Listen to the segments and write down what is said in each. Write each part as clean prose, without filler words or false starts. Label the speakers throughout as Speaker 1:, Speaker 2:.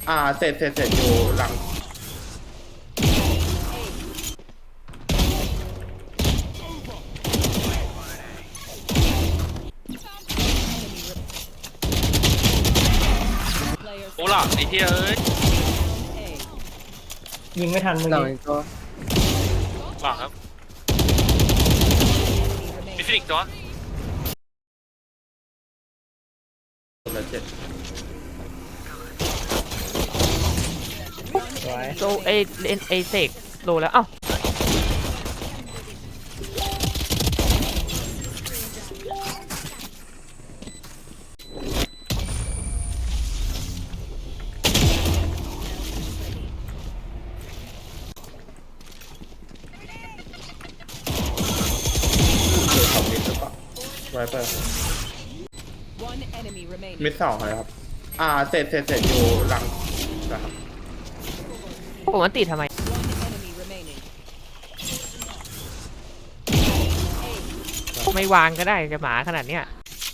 Speaker 1: เสร็จอยู่หลัง
Speaker 2: โอ้หลังไอ้เหี้ยเอ้ย
Speaker 3: ยิงไม่ทันเมื่อ
Speaker 4: หลัง
Speaker 3: กี้
Speaker 4: อีกตัว
Speaker 2: หลังครับมีฟินิกส์ตัว
Speaker 1: เหลือ7
Speaker 3: สวย
Speaker 5: โลเอเสกโลแล้วเอ้า
Speaker 1: คือของมิดหรือเปล่าไวเปอร์มิด2เลยครับเสร็จอยู่หลังนะครับ
Speaker 5: ผมมันติดทำไมไม่วางก็ได้จะหมาขนาดเนี้ย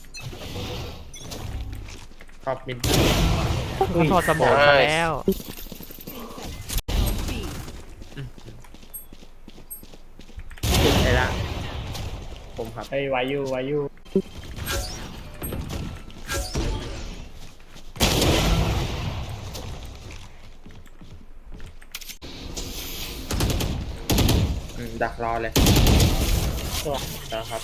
Speaker 1: ขอบมิด
Speaker 5: เขาถอดสมองมาแล้ว
Speaker 1: ติดไอ้ละผมครับ
Speaker 3: ไอ้วายูวายู
Speaker 1: ดักรอเลย
Speaker 3: สวย
Speaker 1: นะครับ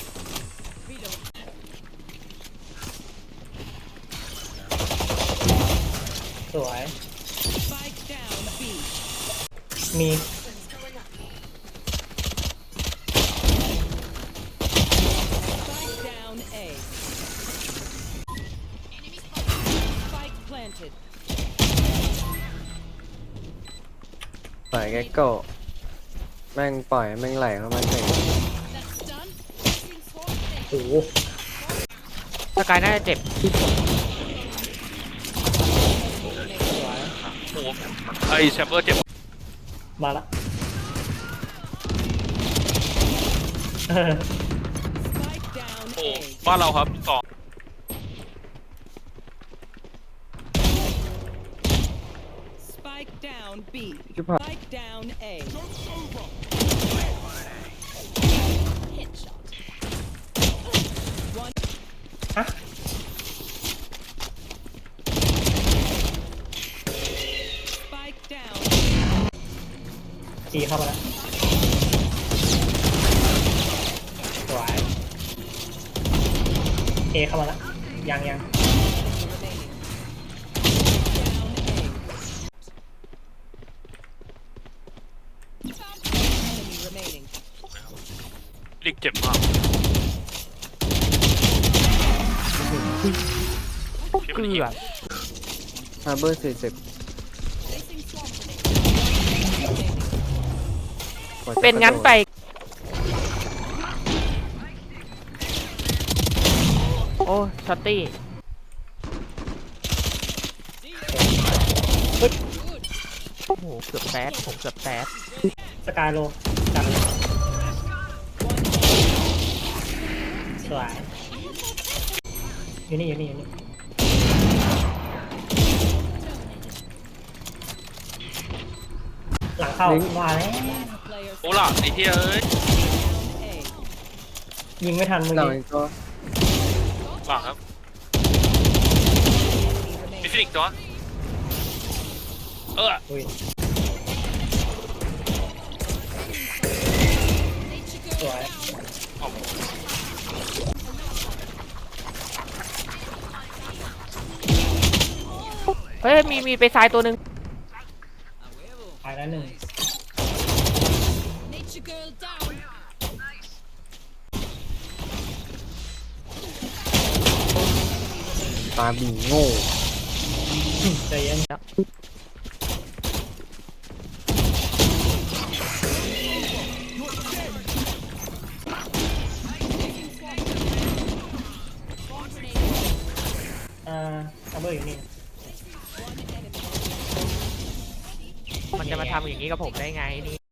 Speaker 3: สวยมี
Speaker 4: ปล่อยแกโก้แม่งปล่อยแม่งไหลเข้ามาเตะ
Speaker 3: โอ้โห
Speaker 5: สกายน่าจะเจ็บ
Speaker 3: สวย
Speaker 2: โอ้โหไอ้แชมเบอร์เจ็บ
Speaker 3: มาละเออ
Speaker 2: โอ้บ้านเราครับ2
Speaker 4: ชิบหาย
Speaker 3: ฮะจีเข้ามาแล้วสวยเอเข้ามาแล้วยัง
Speaker 2: ลิกเจ็บมากเก็บ
Speaker 5: เกื
Speaker 2: มันอีก
Speaker 5: อบ
Speaker 4: ฮาร์เบอร์40กว่าจะ
Speaker 5: เป็นงั้นไปโอ้ช็อตตี้โอ้โหเกือบแซดผมเกือบแซด
Speaker 3: สกายโลจับสวยอยู่นี่หลังเข้ามาแล้ว
Speaker 2: โอ้หลังไอ้เหี้ยเอ้ย
Speaker 3: ยิงไม่ทันเมื่อ
Speaker 4: หลัง
Speaker 3: กี้
Speaker 4: อีกตัว
Speaker 2: หลังครับมีฟินิกส์ตัว
Speaker 3: อุ้ยสวย
Speaker 5: เฮ้ยมีไปซ้ายตัวหนึ่ง
Speaker 3: ตายแล้วหนึ่ง
Speaker 4: ตาบีโง่
Speaker 3: ใจเย็นซัมเบอร์อยู่นี่
Speaker 5: มันจะมาทำอย่างนี้กับผมได้ไงนี่